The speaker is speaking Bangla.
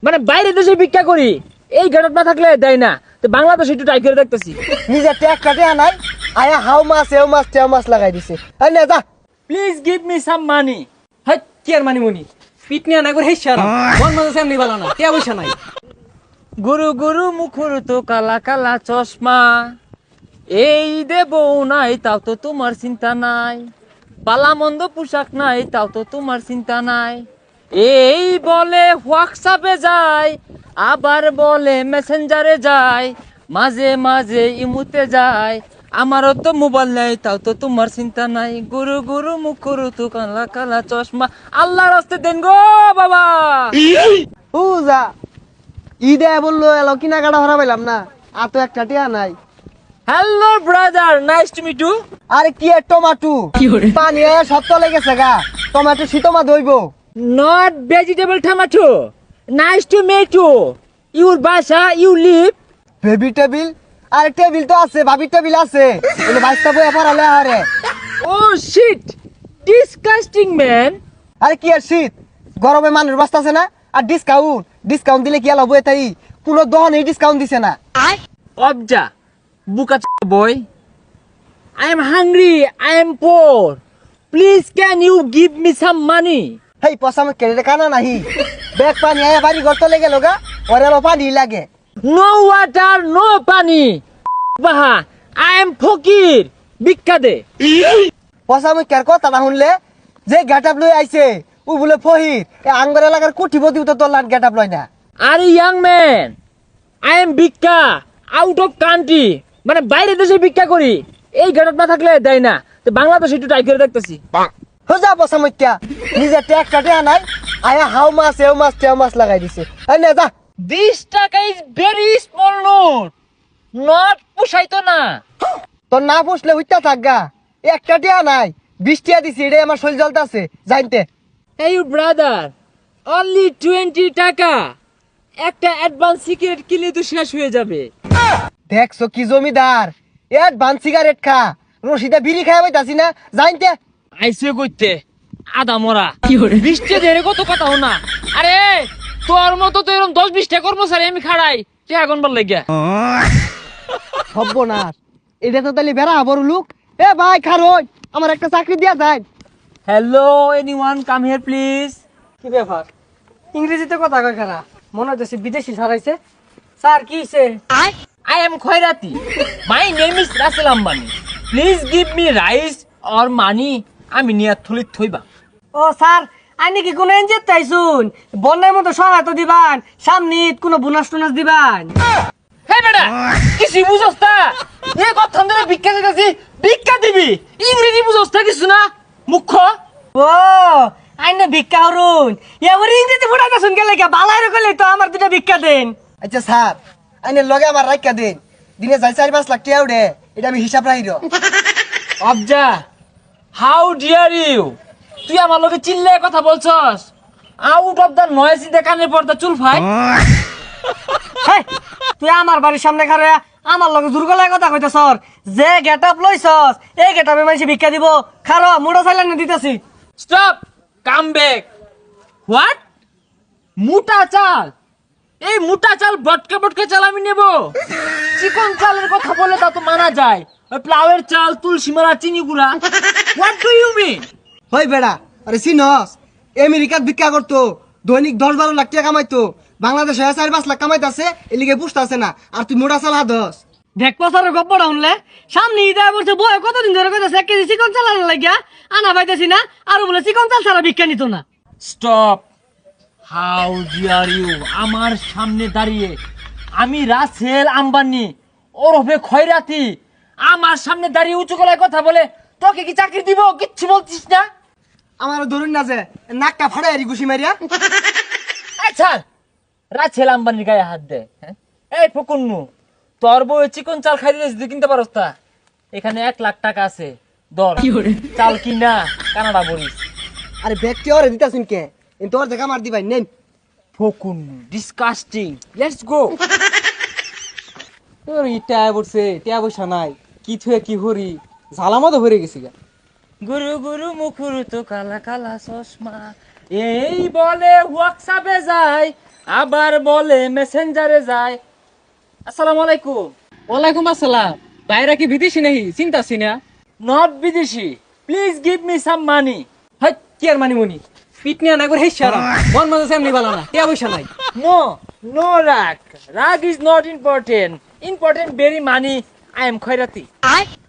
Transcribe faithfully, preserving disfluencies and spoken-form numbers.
মানে বাইরে দেশে ভিক্ষা করি, এই গেটআপ না থাকলে দেয় না। তো বাংলাদেশে একটু ট্রাই করে দেখতেছি। নিজে ট্যাক কাটে আনাই আয়া হাউ মাছ এও মাছ তেও মাছ লাগাই দিছে। আই না যা please give me some money. Hi কি আর মানি মনি পিট নিয়ে না করে হেসা না মন মনে সেমনি ভালো না টিয়া পয়সা নাই। গুরু গুরু মুখুর তো কালা কালা চশমা, এই দেব নাই তাও তো তোমার চিন্তা নাই, পালা মন্দ পোশাক নাই তাও তো তোমার চিন্তা নাই, এই বলে হোয়াটসঅ্যাপে যায় আবার বলে মেসেঞ্জারে যায়, মাঝে মাঝে ইমুতে যায়, আমারও তো মোবাইল নাই তাও তো তোমার চিন্তা নাই, গুরু গুরু মুখুর তো কালা কালা চশমা, আল্লাহর রাস্তে দেন গো বাবা। ও যা ঈদে বললো এলো কিনা কাটা হরা পাইলাম না, আর তো একটা টিয়া নাই। Hello brother, nice to meet you. আরে কি এর টমাটো পানি আয়া সব তলে গেছে গা, টমাটো শীতমা দইব। Not vegetable tomato. Nice to meet you. Your basha, you live. Baby table আরে টেবিল তো আছে, ভাবি টেবিল আছে, এনে বাইশটা বই পড়ালে আরে। Oh shit. Disgusting man. আরে কি আর শীত গরমে মানুষ বাঁচতেছে না, আর ডিসকাউন্ট ডিসকাউন্ট দিলে কি আলো বই তাই কোনো দহনে ডিসকাউন্ট দিছে না। Obja. Buka boy. I am hungry. I am poor. Please can you give me some money? হেই পসামে কেড়ে কানা নাহি ব্যাগ পানি আয়া বাড়ি ঘর তলে গেল গা, ওরে আলো পানি লাগে। No water, no pani. Baha. I am fakir. Bikka de. পসামে কের কথা না শুনলে যে গেটআপ লই আইছে ও বলে ফহির এ আঙ্গর এলাকার কোটিপতি তো তোর লাট গেটআপ লয় না। Are you young man? I am Bikka. Out of country. মানে বাইরে দেশে ভিক্ষা করি, এই গেটআপ না থাকলে দেয় না। তো বাংলাদেশে একটু ট্রাই করে দেখতেছি। হোজা পসামইত্যা নিজে ট্যাক কাটে আনাই আয়া হাউ মাছ এও মাছ তেও মাছ লাগাই দিছে। আই না যা This টাকা is very small note. Not পুষাইতো না। তোর না পুষলে উইতা থাকগা, একটা টিয়া নাই বিশ টিয়া দিছি, এটা আমার শরীর জ্বলতাছে জানতে। Hey you brother, only twenty টাকা। একটা অ্যাডভান্স সিগারেট কিনলে তো শেষ হয়ে যাবে। দেখছো কি জমিদার অ্যাডভান্স সিগারেট খা, রশিদা বিড়ি খাই পাইতাছি না জানতে। আইসে কইতে আদা মরা বৃষ্টি দেরে কত কথা না। আরে তোর মতো তো এরকম দশ বিশটা কর্মচারী আমি খাড়াই টাকা গনবার লাগিয়া। সর্বনাশ, এটা তো তাহলে বেড়া বড় লোক। এ ভাই খারোই আমার একটা চাকরি দিয়া যায়। Hello anyone come here please. কি ব্যাপার ইংরেজিতে কথা কয় খারা মনে হচ্ছে বিদেশি ছাড়াইছে। স্যার কি হইছে? I am Khairati. My name is Russell Ambani. Please give me rice or money. আমি নিয়া থলিত থইবা। ও স্যার আইনি কি কোনো এনজিও তাইছুন বন্যার মতো সহায়তা দিবান, সামনে ঈদ কোনো বোনাস টোনাস দিবান? হে বেটা কিছু বুঝছ না? এ কথা ধরে ভিক্ষা দিতেছি, ভিক্ষা দিবি ইংরেজি বুঝছ না কিছু না মুখ্য। ও আইনে ভিক্ষা হরুন এবার ইংরেজি ফুটাইতে শুন গেলে কে বালাই রকলে তো আমার দুটা ভিক্ষা দেন। আচ্ছা স্যার আইনে লগে আমার রাখা দেন, দিনে যাই চারি পাঁচ লাখ টিয়া উঠে, এটা আমি হিসাব রাখির। অবজা হাউ ডিয়ার ইউ, তুই আমার লগে চিল্লায় কথা বলছস? Out of the noise in the কানের পর্দা চুল ফাই। হেই, তুই আমার বাড়ির সামনে খারে আমার লগে জোর গলায় কথা কইতেছস, যে গেটআপ লইছস এই গেটআপে মানুষ ভিক্ষা দিব, খারো মুড়া চাইলেন দিতেছি। Stop, come back. হোয়াট? মোটা চাল? এই মোটা চাল বটকা বটকা চাল আমি নেব? চিকন চালের কথা বলে তা তো মানা যায়, ওই প্লাউয়ের চাল, তুলসী মালা, চিনি গুঁড়া। What do you mean? হই বেড়া আরে চিনস আমেরিকাত ভিক্ষা করতো, দৈনিক দশ বারো লাখ টাকা কামাইতো, বাংলাদেশে চারি পাঁচ লাখ কামাইতাছে, এলিগে বুঝতাছে না, আর তুই মোটা চাল হাদস। দেখ পসারের গপ্পটা শুনলে সামনে ঈদ আয় বলছে বয় কতদিন ধরে কইতাছে এক কেজি চিকন চাল আনা লাগিয়া আনা পাইতেছি না, আর বলে চিকন চাল ছাড়া ভিক্ষা নিত না। স্টপ, হাউ ডিয়ার ইউ, আমার সামনে দাঁড়িয়ে আমি রাসেল আম্বানি ওরফে খয়রাতি আমার সামনে দাঁড়িয়ে উঁচু গলায় কথা বলে তোকে কি চাকরি দিব? কিচ্ছু বলছিস না। আমার ধরুন না যে নাকটা ফাড়াই আরি ঘুষি মারিয়া। আচ্ছা রাসেল আম্বানির গায়ে হাত দে। হ্যাঁ? এই ফকুন্নু, তোর বউ চিকন চাল খাই দিয়েছিস, তুই কিনতে পারস তা? এখানে এক লাখ টাকা আছে, দর চাল কিনা কানাডা বলিস। আরে ব্যক্তি ওরে দিতাছিন কে, এ তোর দেখা মার দিবাই নেন। ফকুন্নু ডিসকাস্টিং, লেটস গো। তোর ইটা বলছে টিয়া পয়সা নাই, কি থুয়ে কি হরি ঝালামতো ভরে গেছি গা। গুরু গুরু মুখুর তো কালা কালা চশমা, এই বলে হোয়াটসঅ্যাপে যায় আবার বলে মেসেঞ্জারে যায়। আসসালামু আলাইকুম। ওয়ালাইকুম আসসালাম। বাইরে কি বিদেশি নাহি চিন্তাছি না? নট বিদেশি, please give me some money. Hi কি আর মানি মুনি পিট নিয়ে না করে হেসারা মন মজা সেমনি বালা না টিয়া পয়সা নাই। নো নো রাগ, রাগ is not important, important very money. I am খয়রাতি।